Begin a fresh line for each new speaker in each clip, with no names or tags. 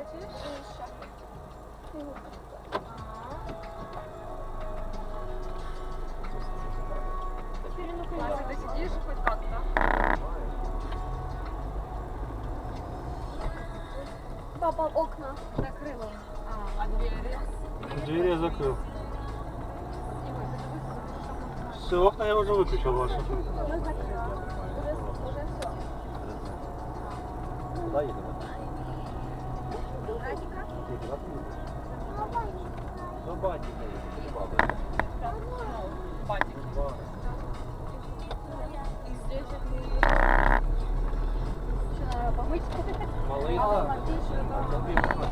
Ты сидишь хоть как-то?
Папа, окна.
Закрыла. А двери?
Двери я закрыл. Все, окна я уже выключил ваши.
Мы закрыли. Уже все.
Куда едем?
Радика?
До батіка їдемо, до баби.
Батик. И здесь
Что, надо помыть?
Малий,
А
так.
ты еще
А тобі 15.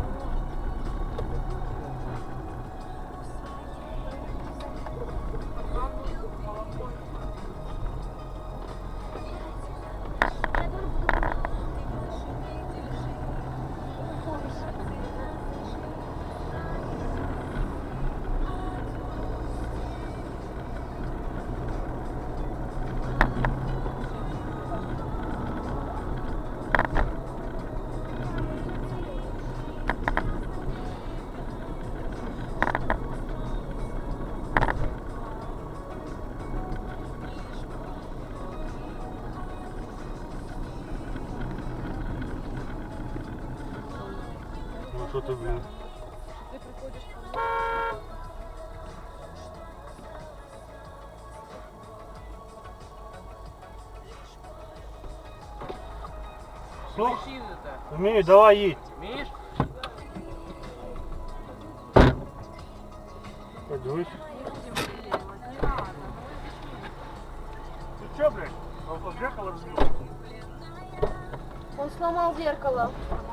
Ну что ты, блин?
ты приходишь ко мне.
Все? Умею, давай едь.
Вмієш?
Подивись.
Не будем делать, не надо.
Ты что, блядь? Вот зеркало разбил.
Он сломал зеркало.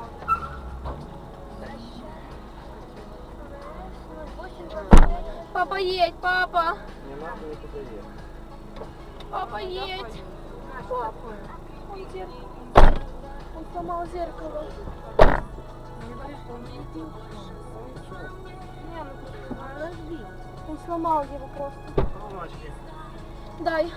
Папа, едь, папа.
Не надо нікуди їхати.
Папа, едь. Папа. Он сломал зеркало.
Не говори, что он не идет.
Не, ну подожди. Он сломал его просто.
Солнышки.
Дай.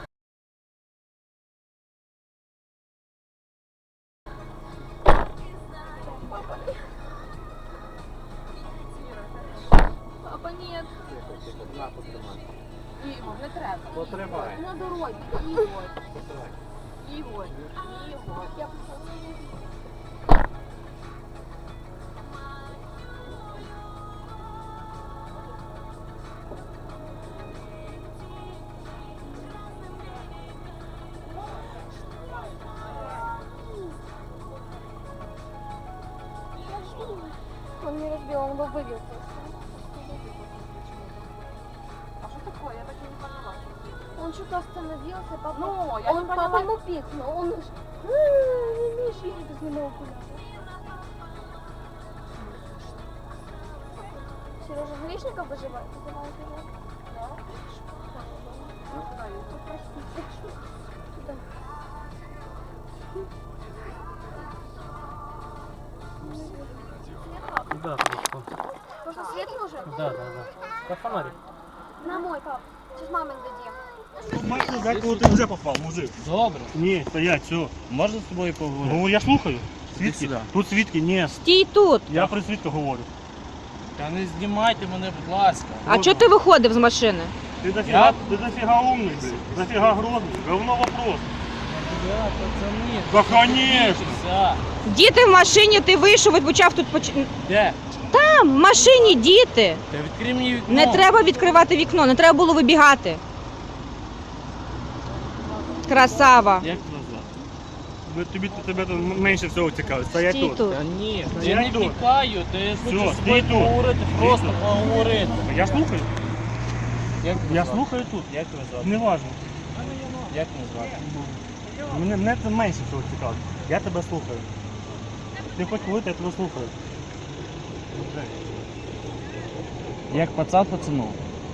Папа, нет.
Тихо, тихо, на, потримай.
Ігор, не треба.
Потримай.
На дороге. Игорь.
Потримай.
Ігор, Ігор.
Я пошла. Он не разбил, он его выбил просто.
А що таке? Я так і не поняла.
Он что-то остановился, папа.
Ну, я
он
не поняла.
папа ему пикнул. Он не умеешь видеть без него окуляра. Сережа Гришников выживает? Вызывает его.
Да? Ну, куда я?
Простите. Туда.
Да, просто.
Может, светлый уже?
Да. Как фонарик.
На мой, пап. Сейчас маме дадим.
Бачиш, так коли ти вже попав, мужик.
Добре.
Ні, стоять, все.
Можна з тобою поговорити?
Ну я слухаю.
Іди
Свідки?
сюди.
Тут свідки, ні.
Стій тут.
Я при свідках говорю.
Та не знімайте мене, будь ласка.
А чого ти виходив з машини?
Ти дофіга умний, блядь. Дофіга грозний. Говно вопрос.
Ребята, пацани.
Да, конечно.
Все.
Діти в машині, ти вийшов і почав тут
Де?
Там, в машині діти.
Та відкрий мені вікно.
Не треба відкривати вікно, не треба було вибігати. Красава.
Як тебе звати?
Тебе тут менше всього цікавить. Стоять
Стій
тут.
тут.
Та ні,
Та
я
я
не
йду.
втікаю, та я хочу
Всьо,
з тобою
стій тут.
поговорити, просто поговорити.
Я слухаю.
Як тебе
Я
звати?
слухаю тут.
Як тебе звати?
Неважно.
Як тебе звати?
Мене це менше всього цікавить. Я тебе слухаю. Ти хоч говорити, я тебе слухаю.
Як пацан пацану.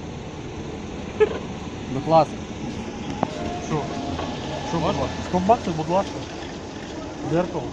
Будь ласка.
Що? Що, будь ласка? 100 баксів, будь ласка. Зеркало.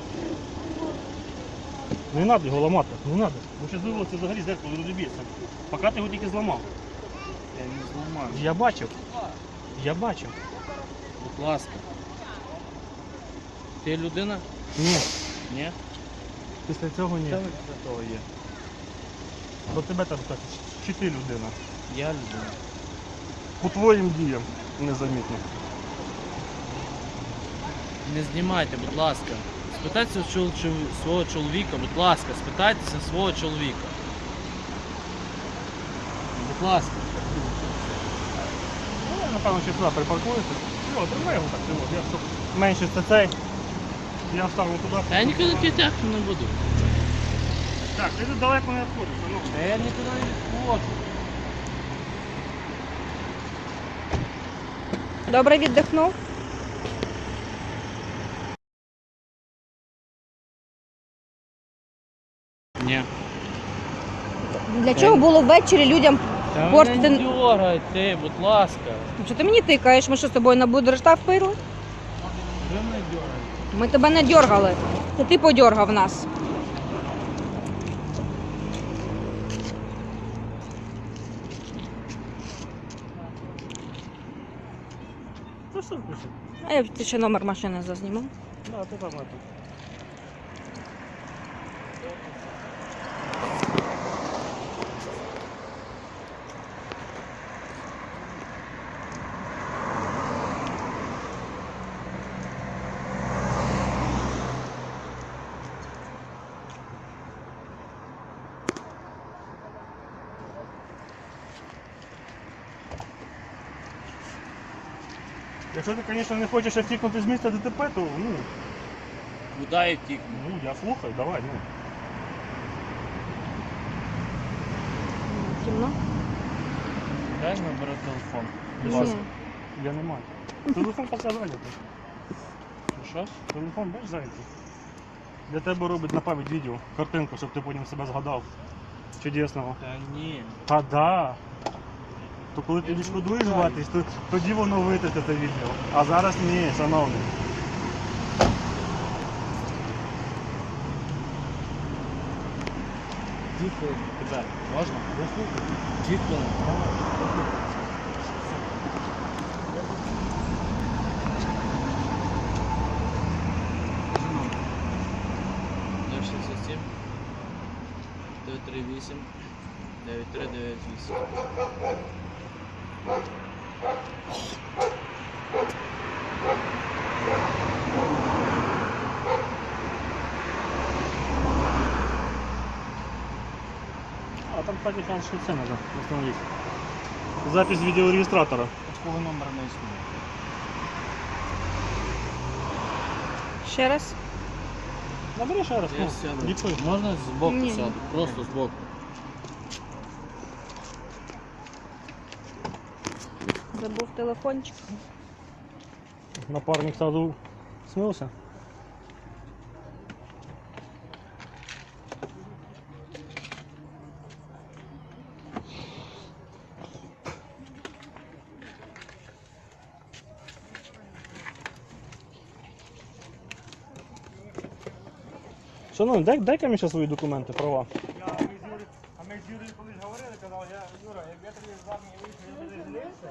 Не треба його ламати, не треба. Бо зараз вивелося взагалі зеркало і розіб'ється. Поки ти його тільки зламав.
Я не зламаю.
Я бачив. Я бачив.
Будь ласка. Ти людина?
Ні.
Ні?
Після цього ні.
Що після того є?
До тебе там так, чи ти людина.
Я людина.
По твоїм діям незамітно.
Не знімайте, будь ласка. Спитайтеся свого чоловіка, будь ласка, спитайтеся свого чоловіка. Будь ласка.
Ну, я, напевно, ще сюди припаркуюся. О, тримай його так, от, я щоб менше це цей. Я вставлю туди.
Та я нікуди кидати не буду.
Так, ти тут далеко не відходиш, ну.
Та я нікуди не відходжу.
Добре віддихнув?
Ні.
Для чого було ввечері людям
Та
портити?
не дергай ти, будь ласка.
Що ти мені тикаєш? Ми що з тобою на будрештав пили?
Ви не дергайте.
Ми тебе не дьоргали. Це ти подьоргав нас.
Це що включив?
А я ти ще номер машини зазніму.
Да, ти там это. Якщо ти, звісно, не хочеш втікнути з місця ДТП, то ну,
Куди я втікну?
я слухаю, давай, ну.
Кімно?
Дай набери телефон. Будь
Ні.
ласка.
Я не маю. Телефон пока зайнятий.
Що?
Телефон бачиш зайнятий. Для тебе робить на пам'ять відео, картинку, щоб ти потім себе згадав. Чудесного.
Та ні.
Та да. То коли ти відшкодуєш ватись, то тоді воно витратить це відео. А зараз ні, шановний.
Дві хвилини. Тебе. Можна?
Я слухаю.
2 хвилини. Номер 67 938 9398.
А там, кстати, конечно, це надо установить. Запись відеореєстратора.
Такого номера не існує.
Ще раз?
Набери ще раз.
Я
ну,
сяду.
дікуй.
Можна збоку
Ні.
сяду? Просто збоку.
Забув телефончик.
Напарник сразу смылся. Шановний, дай-ка мені ще свої документи, права. А ми з Юрієм колись говорили, казав, Юра, як я тобі з армії вийшов, я тобі жалівся.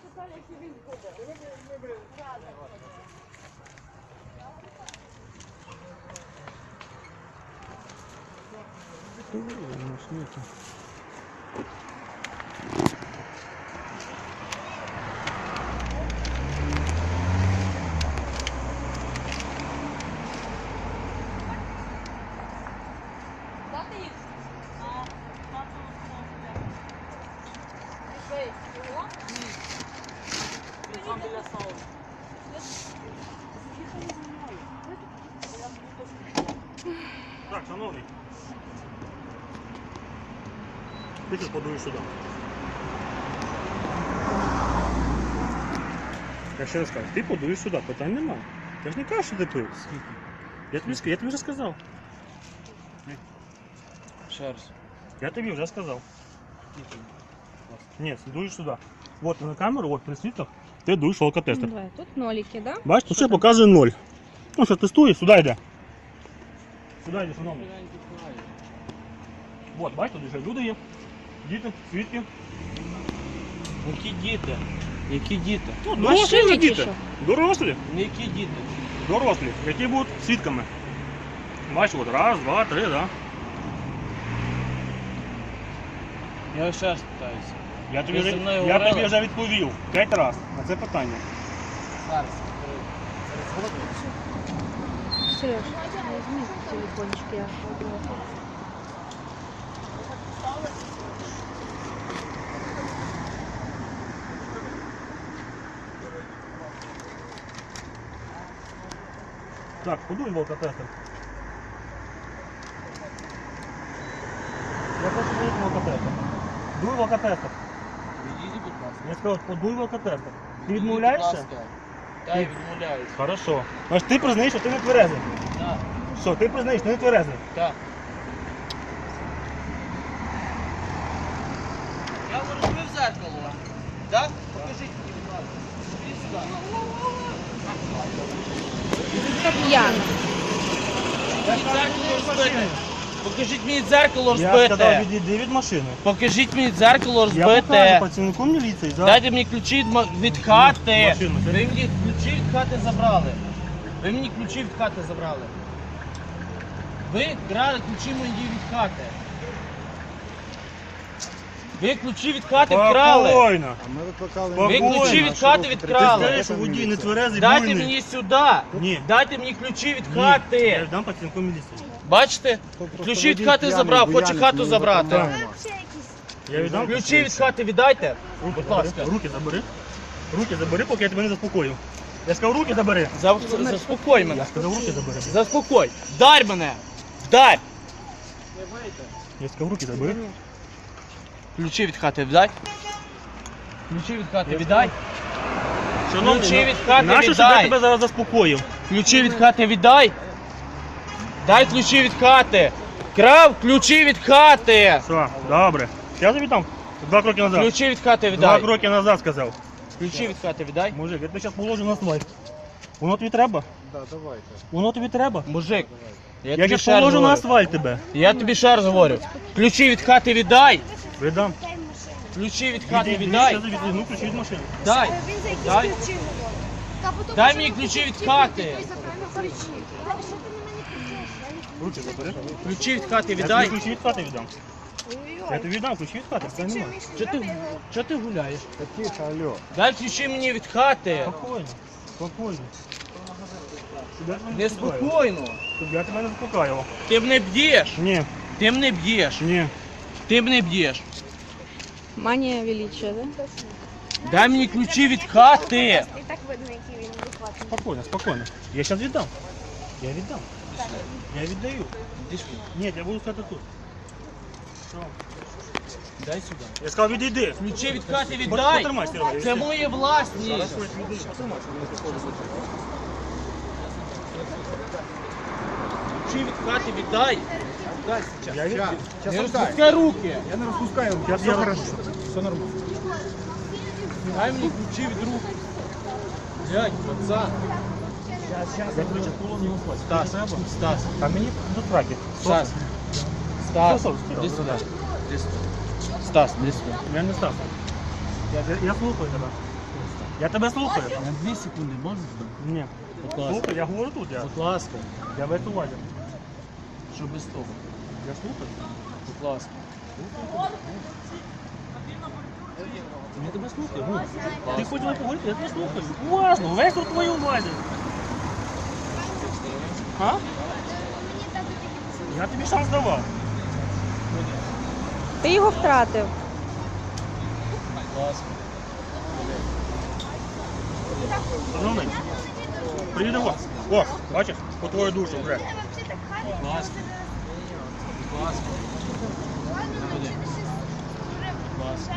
Так, шановний. Ти зараз подуєш сюди. Я ще раз кажу, ти подуєш сюди, питань немає. Я ж не кажу, що ти пив. Я тобі вже сказав.
Ще раз.
Я тобі вже сказав. Ні, дуєш сюди. Вот на камеру, от при світлах, ти дуєш алкотестер.
Давай, тут ноліки, да?
Бачиш, тут ще показує 0. Ну що, тестуєш, сюди йде. Сюди йде, шановний. Вот, бачиш, тут вже люди є. Діти, свідки.
Які діти? Які діти?
Ну,
В
дорослі
машині
вже
чи
діти.
що?
Дорослі.
Які діти?
Дорослі, які будуть свідками. Бачиш, от раз, два, три, да.
Я ось ще раз питаюся.
Я тобі,
Ви
вже,
зі мною
я
говорили?
тобі вже відповів 5 разів на це питання.
Зараз.
Сереж, візьми телефончик, я пойду.
Так, подуй в алкотестер. Я хочу подуй в алкотестер. Дуй в алкотестер.
Відійдіть, будь ласка.
Я сказав, подуй в алкотестер. Ти
Відійдіть,
відмовляєшся?
будь ласка. Так, я відмовляюсь.
Хорошо. Значить, ти признаєш, що ти не тверезий.
Так,
Все, ти признаєш, що ти не тверезий.
так. Я говорю, ви в зеркало. Так? Покажіть мені, будь ласка. Ідіть сюди.
П'яна.
Покажіть мені дзеркало
Я сказав,
розбите.
відійди від машини.
Покажіть мені дзеркало
Я покажу
розбите.
працівнику міліції. За...
Дайте мені ключі від хати.
Машину.
Ви мені ключі від хати забрали. Ви мені ключі від хати забрали. Ви крали ключі мої від хати. Ви ключі від хати вкрали.
Спокійно.
Ви ключі від хати
Ти
відкрали.
скажеш, що водій не тверезий,
Дайте
буйний.
мені сюди.
Ні.
Дайте мені ключі від
Ні. Я
хати.
дам працівнику міліції.
Бачите? Ключі від хати забрав, хоче хату забрати.
Я віддам.
Ключі від хати віддайте.
Руки
Будь
забери.
ласка.
Руки забери. Руки забери, поки я тебе не заспокою. Я сказав, руки забери.
Заспокой мене.
Я сказав, руки забери.
Заспокой. Вдарь мене. Вдарь.
Я сказав, руки забери.
Ключі від хати віддай. Ключі від хати віддай.
Шановний,
Ключі від хати
нащо, щоб я
віддай.
тебе зараз заспокоїв?
Ключі від хати віддай. Дай ключі від хати. Крав ключі від хати.
Все, добре. Я тобі дам. 2 кроки назад.
Ключі від хати
2
віддай.
кроки назад сказав.
Ключі від хати віддай.
Мужик, я тебе зараз положу на асфальт. Воно тобі треба?
Да, давайте.
Воно тобі треба?
Мужик.
Я
тобі
зараз
ще раз
положу на
говорю.
асфальт тебе.
Я тобі ще раз говорю. Ключі від хати віддай.
Віддам.
Ключі від хати
Віддай.
віддай.
Я відвізьму ключі від машини.
Дай.
Він за якісь
Дай.
ключі говорить. Та потім
Дай
почав
мені ключі від
ключі
хати.
той забрав ключі. Та що ти на мене кричиш?
Руки забери.
Ключі від хати
Я тобі
віддай.
ключі від хати віддам. Я
Ой-ой.
тобі віддам ключі від хати. Це немає.
Чого ти гуляєш?
Тихо, алло.
Дай ключі мені від хати.
Спокійно. Спокійно. Щоб я тебе не заспокоював.
Неспокійно.
Щоб я тебе не заспокоював.
Ти мене б'єш.
Ні,
Ти мене б'єш.
ні.
Ти мене б'єш.
Манія величия, да?
Дай мені ключі від хати.
І так видно, який він адекватний.
Спокійно, спокійно. Я зараз віддам. Я віддам. Я віддаю.
Іди сюди.
Ні, я буду стояти тут. Що?
Дай сюди.
Я сказав, відійди.
Ключі від хати віддай.
Потримай, Серега.
Це моє власність. Ключі від хати віддай.
Я віддаю.
Не розпускай руки.
Я не розпускаю.
Зараз
Все
я
хорошо. Все нормально.
Дай мені ключі від рук. Блядь, пацан.
Я ключі полон не упасть.
Стас, Стас,
А мені до траки.
Стас. Стас,
Стас,
іди сюди. Іди сюди. Стас, іди сюди.
Я не став. Я слухаю тебе. Я тебе слухаю.
На 2 секунди можна?
Ні.
Будь ласка.
Слухай, я говорю тут.
Будь ласка.
Я в эту увазі.
Що без того?
Я слухаю.
Будь ласка.
Я тебе слухаю. Ну, ти хочеш поговорити, я тебе слухаю. Уважно, весь у твою увазі. А? Я тобі шанс давав.
Ти його втратив.
Будь ласка.
Шановний, приїде вас. О, бачиш, по твою душу вже.
Будь ласка. Будь ласка. Будь ласка.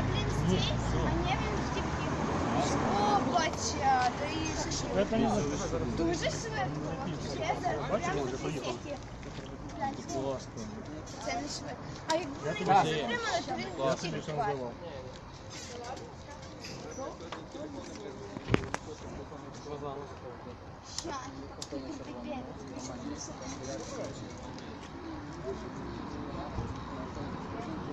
Опача, то і шашлик.
Це не записано.
Дуже швидко.
Бачиш, ми вже поїхали.
Будь ласка.
Це не швидко. А якби ви
тобі
його
даю.
затримали, то він
Я
не
тобі
втік.
шанс давав.
Ща,